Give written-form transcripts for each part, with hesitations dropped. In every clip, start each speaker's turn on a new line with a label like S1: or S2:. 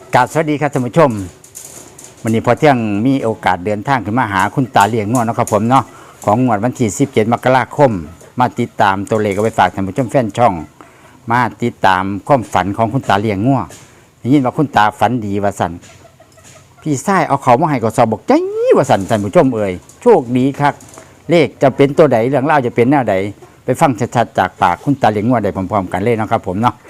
S1: กราบสวัสดีครับท่านผู้ชมวันนี้พอเที่ยงมีโอกาสเดินทางขึ้นมาหาคุณตาเลี้ยงงัวนะครับผมเนาะของงวดวันที่17 มกราคมมาติดตามตัวเลขเอาไปฝากท่านผู้ชมแฟนช่องมาติดตามความฝันของคุณตาเลี้ยงงัวได้ยินว่าคุณตาฝันดีว่าสั่นพี่ชายเอาเขามาให้ก็สอบบอกใจว่าสั่นท่านผู้ชมเอ่ยโชคดีครับเลขจะเป็นตัวใดเรื่องเล่าวจะเป็นแนวใดไปฟังชัดๆจากปากคุณตาเลี้ยงงัวได้พร้อมๆกันเลยนะครับผมเนาะ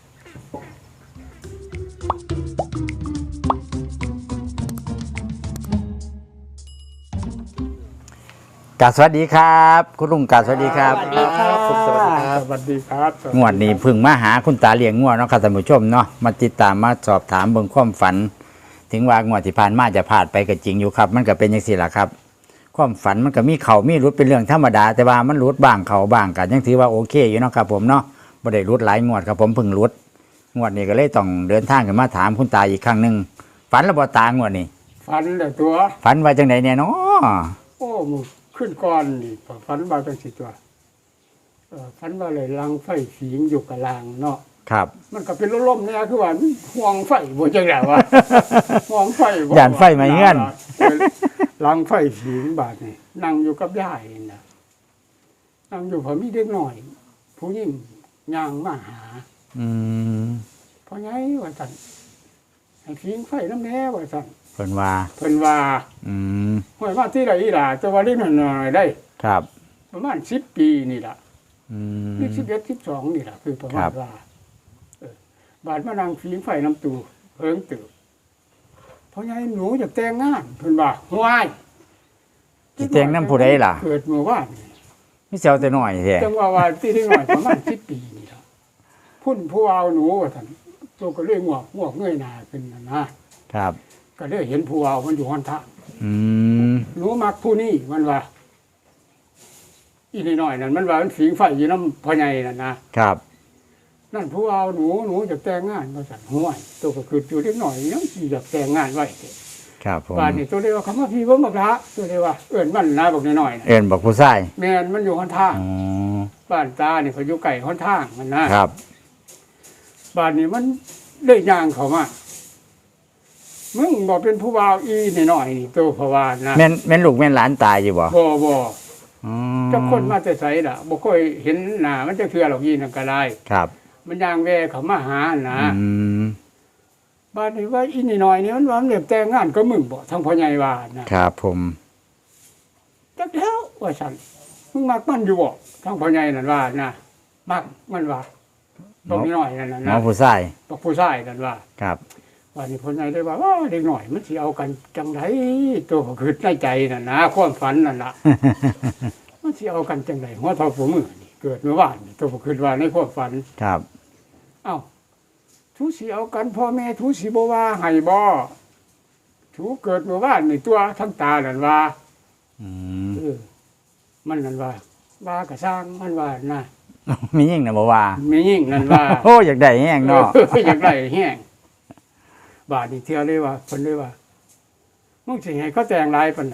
S1: กราบสวัสดีครับคุณลุงกราบสวัสดีครับ
S2: สวัสดีครับ
S3: สวัสดีครับ
S2: สวัสดีครับ
S1: งวดนี้เพึ่งมาหาคุณตาเลี้ยงงัวเนาะครับท่านผู้ชมเนาะมาติดตามมาสอบถามเบิ่งความฝัน ถึงว่างวดที่ผ่านมาจะพลาดไปก็จริงอยู่ครับ มันก็เป็นอย่างสี่ล่ะครับ ความฝันมันก็มีเขามีรุดเป็นเรื่องธรรมดาแต่ว่ามันรุดบ้างเขาบ้างกันยังถือว่าโอเคอยู่เนาะครับผมเนาะบ่ได้รุดหลายงวดครับผมเพิ่งรุดงวดนี้ก็เลยต้องเดินทางกันมาถามคุณตาอีกครั้งหนึงฝันแล้วบ่ตางวดนี้
S2: ฝันแต่ตัว
S1: ฝันว่าจังไดเนี่ยเนาะ
S2: โอ้มึงขึ้นก่อนนี่ฝันว่าจังสิตัวฝันว่าเลยลังไฟสีงอยู่กับลางเนาะ
S1: ครับ
S2: มันก็เป็นลมๆเนี่ยคือว่ามันห่วงไฟบ่จังได๋วะ ห่วงไฟบ่
S1: ย่านไฟไหม้เฮือน
S2: ลังไฟสีงบาดนี่นั่งอยู่กับยายนี่นะนั่งอยู่พอมีเด็กหน่อย ผู้หญิงย่างมาหา
S1: อืม
S2: เพราะไงว่าซั่นให้สีงไฟน้ำแน่ว่าซั่น
S1: เพิ่นว่า
S2: เพิ่นว่า
S1: อืม
S2: ห้วยมาที่ใดอีหล่ะแต่ว่าเล็กน้อยๆได้
S1: ครับ
S2: ประมาณ10 ปีนี่ล่ะ
S1: อืม
S2: นี่11 12นี่ล่ะคือประมา
S1: ครั
S2: ณ
S1: บ
S2: ว่าบาดมานั่งฝีงไฟน้ำตูเพิ่งตื่นเพราะไงหนูอยากแต่งงานเพิ่นว่าห้วย
S1: สิแต่งนำผู้ใดล่ะ
S2: เกิดเมื่อวานนี่
S1: มีเสียวแต่น้อยแท้
S2: จังว่าที่ได้หน่อยประมาณ10 ปีนี่ล่ะพุ่นผู้เอาหนูว่าซั่นตัวก็เลยงอกเงยหน้าขึ้นนะครับ ก็เลยเห็นผู้เอามันอยู่หนทาง
S1: อืม
S2: หนูมักผู้นี้มันว่าอีน้อยๆนั่นมันว่ามันฝีงไฟอยู่น้ำพ่อใหญ่นั่นนะครับ นั่นผู้เอาหนูจะแต่งงานมาสั่นห้วยตัวก็คืออยู่เล็กหน่อยยังสิอยากแต่งงานไว้เด้
S1: ครับผม
S2: บ้านนี่ตัวเดียวคำว่าพี่เบิ่งบักละตัวเดียวว่าเอิ้นมันนะบักน้อยๆน่ะ
S1: เอิ้นบอกผู้ชาย
S2: แม่นมันอยู่หนทาง
S1: อ๋อ
S2: บ้านตานี่เขาอยู่ไกลหนทางมันนะครับ บ้านนี้มันได้ย่างเข้ามามึงบ่เป็นผู้บ่าวอีน้อยๆนี่ตัวเพราะว่านะ
S1: แม่นลูกแม่นหลานตายอยู่บ่
S2: บ่
S1: อ๋อ
S2: เจ้าคนมาแต่ไสล่ะบ่ค่อยเห็นหน้ามันจะเทื่อหรอกอีนั่นก็ได้
S1: ครับ
S2: มันย่างแวเข้ามาหานะ
S1: อืม
S2: บ้านนี้ว่าอีนี่น้อยนี่มันว่ามันเรียบแต่งงานก็มึงบ่ทั้งพ่อใหญ่ว่านะครับ
S1: ผม
S2: จักแล้วว่าซั่นมึงมักมันอยู่บ่ทั้งพ่อใหญ่นั่นว่านะมักมันว่าบ่มีน้อยนั่นน่ะ
S1: หมอ
S2: นะ
S1: ผู้ชาย
S2: บอกผู้ชายนั่นว่า
S1: ครับ
S2: ว่านี่พ่อใหญ่ได้ว่าเด็กน้อยมันสิเอากันจังไดตัวก็คือในใจนั่นนะความฝันนั่นล่ะ มันสิเอากันจังไดหัวเท่าหัวมือนี่เกิดเมื่อวานนี่ตัวก็คือว่าในความฝัน
S1: ครับ
S2: เอ้าทูสิเอากันพ่อแม่ทูสิบ่ว่าให้บ่ทูเกิดเมื่อวานนี่ตัวทั้งตานั่นว่า
S1: อืม
S2: มันนั่นว่าก็สร้างมันว่านะ
S1: มียิ่งนะบ่ว่า
S2: มียิ่งนั่นว่า
S1: โอ้อยากได้แห้งเนาะ
S2: อยากได้แห้งบาดนี่เที่ยวเลยว่าเพิ่นเลยว่ามึงสิให้เขาแต่งลายปานใด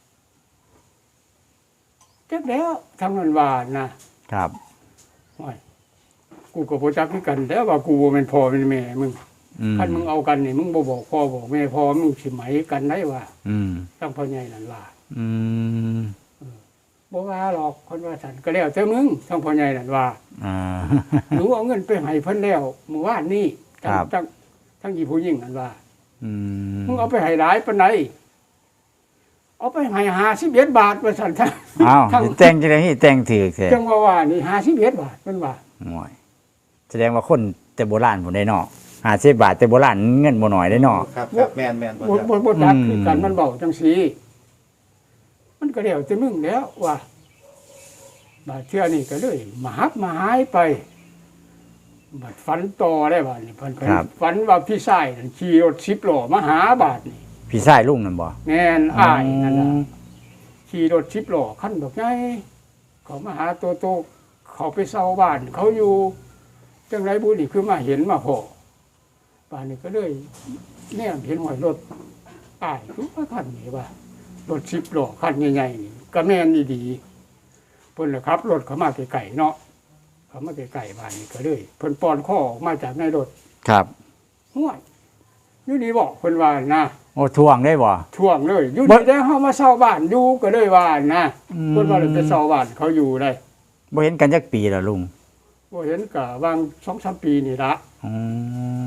S2: จักแล้วทางนั้นว่านะครับ โอ้ยกูก็บ่จักคือกันแต่ว่ากูบ่แม่นพ่อเป็นแม่มึง
S1: อืม
S2: คันมึงเอากันนี่มึงบ่บอกพ่อบอกแม่พ่อมึงสิไหมกันได้ว่า
S1: อืม
S2: ตั้งพ่อใหญ่นั่นว่า
S1: อืม
S2: บ่ว่าหรอกคนว่าฉันก็แล้วแต่มึงทั้งพ่อใหญ่นั่นว่า
S1: อ่า
S2: หนูเอาเงินไปให้เพิ่นแล้วเมื่อวานนี้
S1: ครับ
S2: ทั้งอีผู้หญิงนั่นว่า
S1: อืม
S2: มึงเอาไปให้หลายปานใดเอาไปให้51 บาทว่าซั่นทั้ง
S1: อ้าว
S2: ทั้ง
S1: แต่งจังได๋แต่งถือแท้
S2: จังว่านี่51 บาทเพิ่นว่า
S1: โอ้ยแสดงว่าคนแต่โบราณพุ่นได้เนาะ50 บาทแต่โบราณเงินบ่น้อยได้เนาะ
S3: ครับครับแมนแมน
S2: บ่จัก
S1: อืม
S2: คือกันมันเว้าจังซี่มันก็แล้วแต่มึงแล้วว่าบาดเทื่อนี่ก็เลยมาหักมาหายไปบัดฝันต่อได้บาดนี่เพิ่นฝันว่าพี่ชายนั่นขี่รถ10 ล้อมาหาบาดนี่
S1: พี่ชายลุงนั่นบ่
S2: แม่นอ้ายนั่นน่ะขี่รถ10 ล้อคันดอกใหญ่เขามาหาโตๆเขาไปเซาบ้านเขาอยู่จังไรบุนี่คือมาเห็นมาพอบ้านนี้ก็เลยแนมเห็นหอยรถอ้ายคือว่าคันนี้ว่ารถ10 ล้อคันใหญ่ๆนี่ก็แม่นดีๆเพิ่นล่ะครับรถเขามาไกลๆเนาะเขามาไกลๆบ้านนี้ก็เลยเพิ่นป้อนข้อออกมาจากในรถ
S1: ครับ
S2: ห้วยอยู่นี่บอกเพิ่นว่านะ
S1: โอ้ทวงได้บ่
S2: ท่วงเลยอยู่
S1: บ่
S2: นี่ได้เฮามาเช่าบ้านอยู่ก็เลยว่านะ
S1: อืม
S2: เพิ่นว่าเลยไปเช่าบ้านเขาอยู่ได้
S1: บ่เห็นกันจักปีแล้วลุง
S2: บ่เห็นก็วาง 2-3 ปีนี่ละ
S1: อืม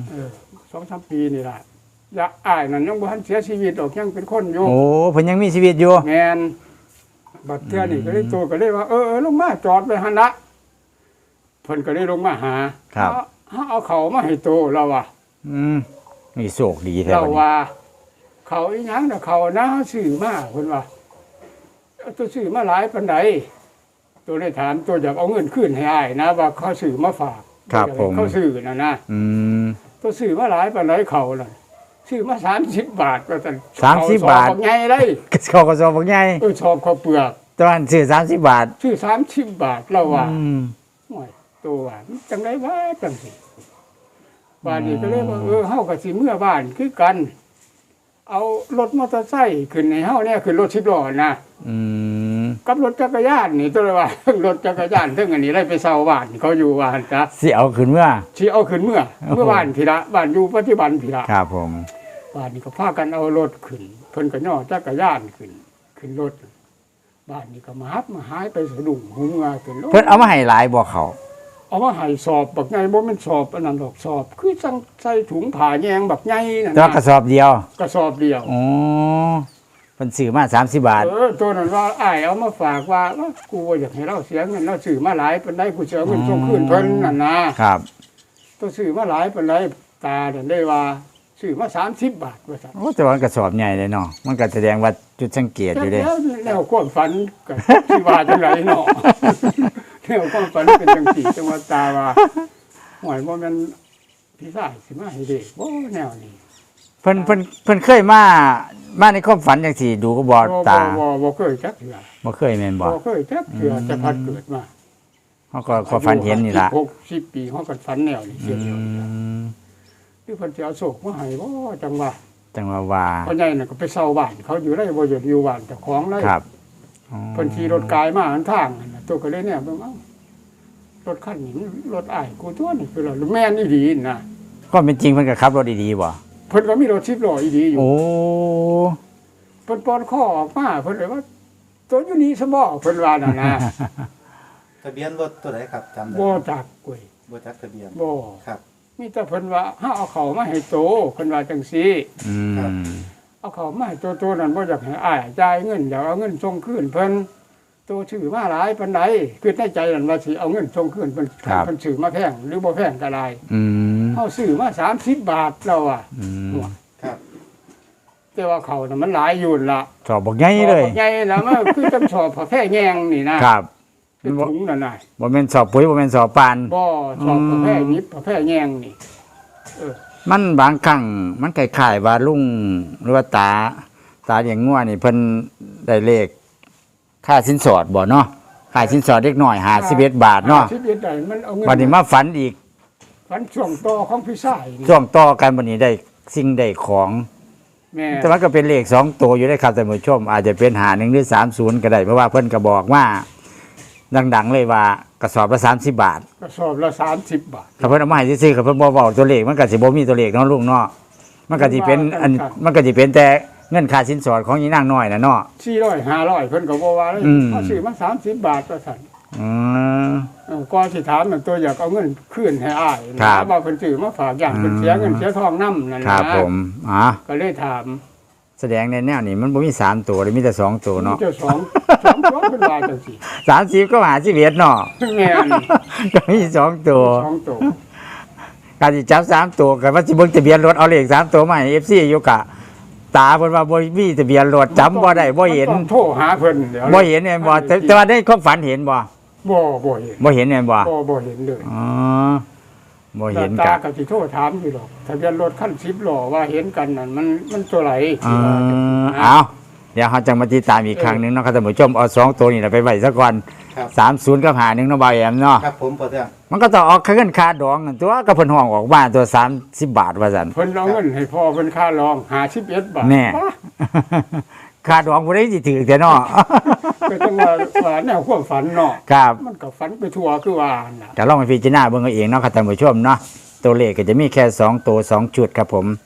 S2: 2-3 ปีนี่ละอยากอ้ายนั่นยังบ่ทันเสียชีวิตดอกยังเป็นคนอยู่
S1: โอ้เพิ่นยังมีชีวิตอยู่
S2: แม่นบัดเทื่อนี่ก็เลยโตก็เลยว่าลงมาจอดไว้หั่นละเพิ่นก็เลยลงมาหา
S1: ครับ
S2: เอาเขามาให้โตเราว่า
S1: อืมมีโชคดีแท้
S2: เรา
S1: บัดนี้
S2: ว่า เขาอีหยังน่ะเขานะซื้อมาเพิ่นว่าเอาตัวซื้อมาหลายปานใดตัวได้ถามตัวอยากเอาเงินคืนให้อ้ายนะว่าเขาซื้อมาฝาก
S1: ครับผม
S2: เขาซื้อน่ะนะ
S1: อืม
S2: ตัวซื้อมาหลายปานใดเขาน่ะซื้อมา30 บาทว่าซั่น
S1: 30 บาท
S2: เขสอบใหญ่เลย
S1: เขาก็สอบบ่ใหญ่
S2: ชอบข้าวเปลือก
S1: ตอนซื้อ30 บาท
S2: ซื้อ30 บาทเราว่า
S1: อืม
S2: โอ้ยตัวว่ามันจังได๋ว่าจังสิบ้านนี้ก็เลยว่าเฮาก็สิเมื่อบ้านคือกัน เอารถมอเตอร์ไซค์ขึ้นให้เฮาเนี่ยขึ้นรถ10ล้อนะ
S1: อืม
S2: กับรถจักรยานนี่ตัวเลยว่า รถจักรยานถึงอันนี้ได้ไปเช่าบ้านเขาอยู่ว่าหั่นจ้ะ
S1: สิเอาขึ้นเมื่อ
S2: สิเอาขึ้นเมื่อ
S1: โอ้โห
S2: เมื่อบ้านพี่ละบ้านอยู่ปัจจุบันพี่ละ
S1: ครับผม
S2: บ้านนี้ก็พากันเอารถขึ้นเพิ่นก็ย่อจักรยานขึ้นรถบ้านนี้ก็มาฮับมาหายไปสะดุ้งหูเมื่อขึ้นรถ
S1: เพิ่นเอามาให้หลายบ่เขา
S2: เอามาให้สอบบักใหญ่บ่แม่นสอบอันนั้นดอกสอบ คือจังใส่ถุงผ้าแยงบักใหญ่นั่น
S1: แต่ว่ากระสอบเดียว
S2: กระสอบเดียว
S1: อ๋อเพิ่นซื้อมา30 บาท
S2: ตัวนั้นว่าอ้ายเอามาฝากว่ากูบ่อยากให้เราเสียเงินเราซื้อมาหลายปานใดกูสิเอาเงินส่งคืนเพิ่นนั่นนะครับ ตัวซื้อมาหลายปานใดตานั่นได้ว่าซื้อมา30 บาทว่าซั่น
S1: โอ้แต่ว่ากระสอบใหญ่เลยเนาะมันก็แสดงว่าจุดสังเกตอยู่เด้
S2: แล้วความฝันก็สิว่าจังไดเนาะ แล้วความฝันเป็นจังซี่จังว่าตาว่าหวยบ่แม่นพี่ชายสิมาให้เด็กบ่แนวนี้
S1: เพิ่นเคยมาในความฝันจังซี่ดูก็บ่ตา
S2: บ่เคยจักเทื่อ
S1: บ่เคยแม่นบ่
S2: บ่เคยจักเทื่อแต่พัดเกิดมา
S1: เขาก็ฝันเห็นนี่ล่ะ
S2: 60ปีเขาก็ฝันแนวนี้เสียเดียว
S1: ม
S2: คือเพิ่นสิเอาโศกมาให้บ่จังว่า
S1: จังว่า
S2: พ่อใหญ่น่ะก็ไปเช่าบ้านเขาอยู่ได้บ่อยู่บ้านเจ้าของเลย
S1: ครับอ๋อ
S2: เพิ่นขี่รถกายมาหันทางนั่นน่ะตัวก็เลยเนี่ยเบิ่งเอ้ารถคันนี้มันรถอ้ายกูตัวนี่คือรถแม่นอีหลีน่ะ
S1: ก็เป็นจริงเพิ่นก็ขับรถดีๆบ่
S2: เพิ่นก็มีรถ10ล้ออีหลีอยู่
S1: โอ้
S2: เพิ่นปอนข้อออกมาเพิ่นเลยว่าตัวอยู่นี่ซะบ่เพิ่นว่านั่นนะ
S3: ทะเบียนรถตัวไหนครับจำได้
S2: บ่จักกวย
S3: บ่จักทะเบียน
S2: บ่
S3: ครับ
S2: มีแต่เพิ่นว่าเฮาเอาเข้ามาให้โตเพิ่นว่าจังซี่
S1: อืม
S2: เอาเข้ามาให้โตนั้นบ่อยากให้อ้ายจ่ายเงินอยากเอาเงินส่งคืนเพิ่นโตชื่อมาหลายปานใดคือในใจนั่นว่าสิเอาเงินส่งคืนเพิ่นเพิ่นซื้อมาแพงหรือบ่แพงก็ได้
S1: อืม
S2: เฮาซื้อมา30 บาทแล้วอ่ะ
S1: อืม
S3: ครับ
S2: แต่ว่าเขาน่ะมันหลายอยู่นั่นล่ะ
S1: สอบบ่ใหญ่เลย
S2: ใหญ่แล้วมันคือจังสอบผ้าแพร่แยงนี่นะครับ เป็นถุงนั่นน่ะ
S1: บ่แม่นสอบปุ๋ยบ่แม่นสอบปาน
S2: บ่สอบผ้าแพร่ยิบผ้าแพร่แยงนี่
S1: มันบางครั้งมันคล้ายๆว่าลุงหรือว่าตาเลี้ยงงัวนี่เพิ่นได้เลขค่าสินสอดบ่เนาะค่าสินสอดเล็กน้อย51 บาทเนาะ
S2: ชีวิตใดมันเอาเงิ
S1: บัดนี้มาฝันอีก
S2: ฝันช่วงต่อของพี่ชายนี่
S1: ช่วงต่อกันบัดนี้ได้สิ่งได้ของ
S2: แม่
S1: แต่ว่าก็เป็นเลข2ตัวอยู่ได้ครับท่านผู้ชม อาจจะเป็น51หรือ30ก็ได้เพราะว่าเพิ่นก็บอกว่าดังๆเลยว่ากระสอบละ30 บาท
S2: กระสอบละ30 บาท
S1: ถ้าเพิ่นเอามาให้ซื้อๆก็เพิ่นบ่เว้าตัวเลขมันก็สิบ่มีตัวเลขเนาะลุงเนาะมันก็สิเป็นอัน
S2: ครับ
S1: มันก็สิเป็นแต่เงินค่าสินสอดของอีนางน้อยน่ะเนาะ
S2: 400 500เพิ่นก็บ่ว่าเลย
S1: อืม
S2: เขาซื้อมา30 บาทว่าซั่น
S1: อืม
S2: ก่อนสิถามนั่นตัวอยากเอาเงินคืนให้อ้าย
S1: ครั
S2: นะ
S1: บ
S2: ว่าเพิ่นซื้อมาฝากอย่างเพิ่นเสียเงินเสียทองนำนั่น
S1: ค
S2: นะ
S1: รับผม
S2: ก็เลยถาม
S1: แสดงในแนวนี้มันบ่มี3ตัวเลยมีแต่2ตัวเนาะ
S2: เจ้าสองตัวเพิ่นว่าจังซี่
S1: 30ก็51เนาะ
S2: แม่น
S1: ก็มี2ตัว
S2: สองตัว
S1: การสิจับ3ตัวก็ว่าสิเบิ่งทะเบียนรถเอาเลข3ตัวมาให้ FC อยู่กะตาเพิ่นว่าบ่มีทะเบียนรถจำบ่ได้บ่เห็น
S2: ต้องโทรหาเพิ่นเดี๋ยว
S1: บ่เห็นแม่นบ่แต่ว่าในความฝันเห็นบ่
S2: บ่เห็น
S1: บ่เห็นแม่นบ่
S2: บ่เห็นเลย
S1: อ๋อบ่เห็น
S2: ตาก
S1: ะ
S2: ก็สิโทรถามอยู่หรอกทะเบียนรถคัน10ล้อว่าเห็นกันนั่นมันตัวไหน
S1: เอาเดี๋ยวเขาจะมาติดตามอีกครั้งหนึงเนาะครับท่านผู้ชมเอา2ตัวนี่ล่ะไปไว้ซะก่อน
S3: ครับ
S1: 30กับ51เนาะบ่าวแอมเนาะ
S3: ครับผมพอเทื่อง
S1: มันก็ต้องออกเงินค่าดองนั่นตัวก็เพิ่นห้องออกบ้านตัว30 บาทว่าซั่น
S2: เพิ่นเอาเงินให้พ่อเพิ่นค่ารอง51 บาท
S1: แน่ ค่าดองบ่ได้สิถือแต่เนาะ
S2: ก็ต้องว่าแนวความฝันเนาะ
S1: ครับ
S2: มันก็ฝันไปทั่วคือว่าน่ะ
S1: ก็ลองไปพิจารณาเบิ่งเอาเองเนาะครับท่านผู้ชมเนาะตัวเลขก็จะมีแค่2ตัว2ชุดครับผม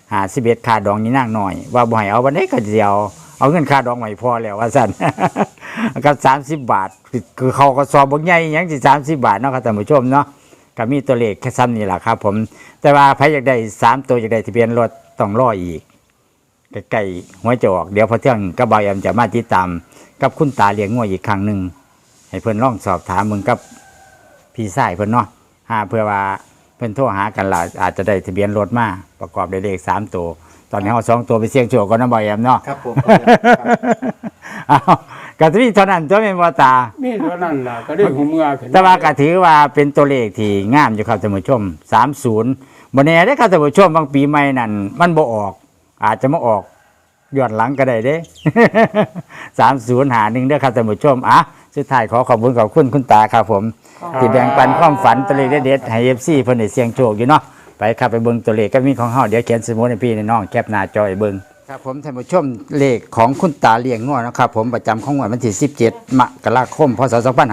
S1: 51ค่าดองนี่นางหน่อยว่าบ่ให้เอาวันนี้ก็เดียวเอาเงินค่าดองไว้พอแล้วว่าซั่น กับ30 บาทคือเขาก็สอบบ่ใหญ่หยังสิ30 บาทเนาะครับท่านผู้ชมเนาะก็มีตัวเลขแค่ซ้ำนี่แหละครับผมแต่ว่าใครอยากได้3ตัวอยากได้ทะเบียนรถต้องรออีกใกล้ๆหัวจะออกเดี๋ยวพอเที่ยงก็บ่าวแอมจะมาติดตามกับคุณตาเลี้ยงงัวอีกครั้งหนึงให้เพิ่นลองสอบถามมึงกับพี่ชายเพิ่นเนาะเพื่อว่าเพิ่นโทรหากันล่ะอาจจะได้ทะเบียนรถมาประกอบด้วยเลข3ตัวตอนนี้เอา2ตัวไปเสี่ยงโชคก่อนนะบ่าวแอมเนาะ
S3: ครับผม
S1: เอาก็จะมีเท่านั้นตัวเป็นบ่ตา
S2: มีเท่านั้นล่ะก็ได้หูเมื่อขึ้น
S1: แต่ว่าก็ถือว่าเป็นตัวเลขที่งามอยู่ครับท่านผู้ชม30บ่แน่เด้อครับท่านผู้ชมบางปีใหม่นั่นมันบ่ออก อาจจะมาออกย้อนหลังก็ได้เด้ 3051เด้อครับท่านผู้ชมสุดท้ายขอบคุณคุณตาครับผมที่แบ่งปันความฝันตัวเลขเด็ดๆให้ FC เพิ่นได้เสี่ยงโชคอยู่เนาะไปครับไปเบิ่งตัวเลขก็มีของเฮาเดี๋ยวเขียนสมุดให้พี่น้องแคปหน้าจอให้เบิ่งครับผมท่านผู้ชมเลขของคุณตาเลี้ยงงัวนะครับผมประจำของวันที่17มกราคมพศ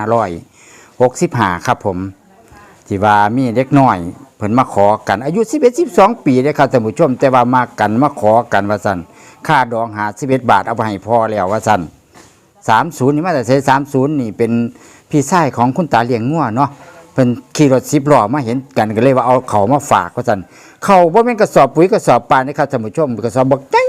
S1: 2565ครับผมที่ว่ามีเด็กน้อยเพิ่นมาขอกันอายุ11 12ปีเด้อครับท่านผู้ชมแต่ว่ามากันมาขอกันว่าซั่นค่าดอง51 บาทเอาไปให้พ่อแล้วว่าซั่น30นี่มาแต่ใช้30นี่เป็นพี่ชายของคุณตาเลี้ยงงัวเนาะเพิ่นขี่รถ10ล้อมาเห็นกันก็เลยว่าเอาเขามาฝากว่าซั่นเขาบ่แม่นกระสอบปุ๋ยกระสอบปานนะครับท่านผู้ชมกระสอบบักใหญ่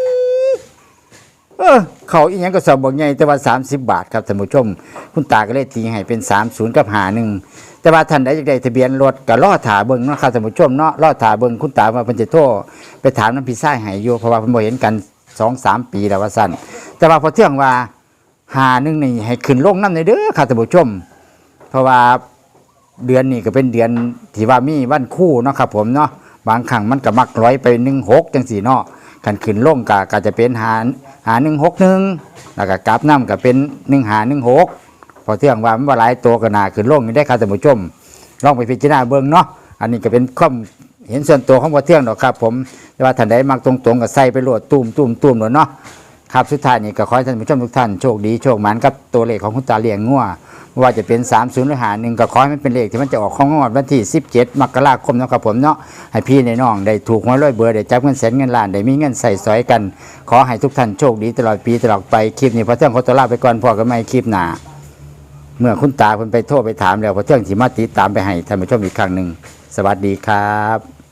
S1: เขาอีหยังกระสอบบักใหญ่แต่ว่า30 บาทครับท่านผู้ชมคุณตาก็เลยตีให้เป็น30กับ51แต่ว่าท่านใดอยากได้ทะเบียนรถก็รอท่าเบิ่งเนาะครับท่านผู้ชมเนาะรอท่าเบิ่งคุณตาว่าเพิ่นจะโทรไปถามนำพี่ชายให้อยู่เพราะว่าเพิ่นบ่เห็นกัน 2-3 ปีแล้วว่าซั่นแต่ว่าพอเที่ยงว่า51นี่ให้ขึ้นลงนำเด้อครับท่านผู้ชมเพราะว่าเดือนนี้ก็เป็นเดือนที่ว่ามีวันคู่เนาะครับผมเนาะบางครั้งมันก็มักร้อยไป16จังซี่เนาะคันขึ้นลงก็จะเป็น5161แล้วก็กลับนำก็เป็น1516พอเที่ยงว่ามันบ่หลายตัวก็น่าขึ้นลงนี่ได้ครับท่านผู้ชมลองไปพิจารณาเบิ่งเนาะอันนี้ก็เป็นความเห็นส่วนตัวของพอเที่ยงดอกครับผมแต่ว่าท่านใดมักตรงๆก็ใส่ไปโลดตุ้มๆๆเนาะครับสุดท้ายนี่ก็ขอให้ท่านผู้ชมทุกท่านโชคดีโชคหมานกับตัวเลขของคุณตาเลี้ยงงัวว่าจะเป็น30หรือ51ก็ขอให้มันเป็นเลขที่มันจะออกของงวดวันที่17มกราคมนะครับผมเนาะให้พี่น้องได้ถูกหวยรวยเบอร์ได้จับเงินแสนเงินล้านได้มีเงินใส่สอยกันขอให้ทุกท่านโชคดีตลอดปีตลอดไปคลิปนี้พอเที่ยงขอตัวลาไปก่อนพอกันใหม่คลิปหน้าเมื่อคุณตาเพิ่นไปโทรไปถามแล้วพอเที่ยงสิมาติดตามไปให้ท่านผู้ชมอีกครั้งนึงสวัสดีครับ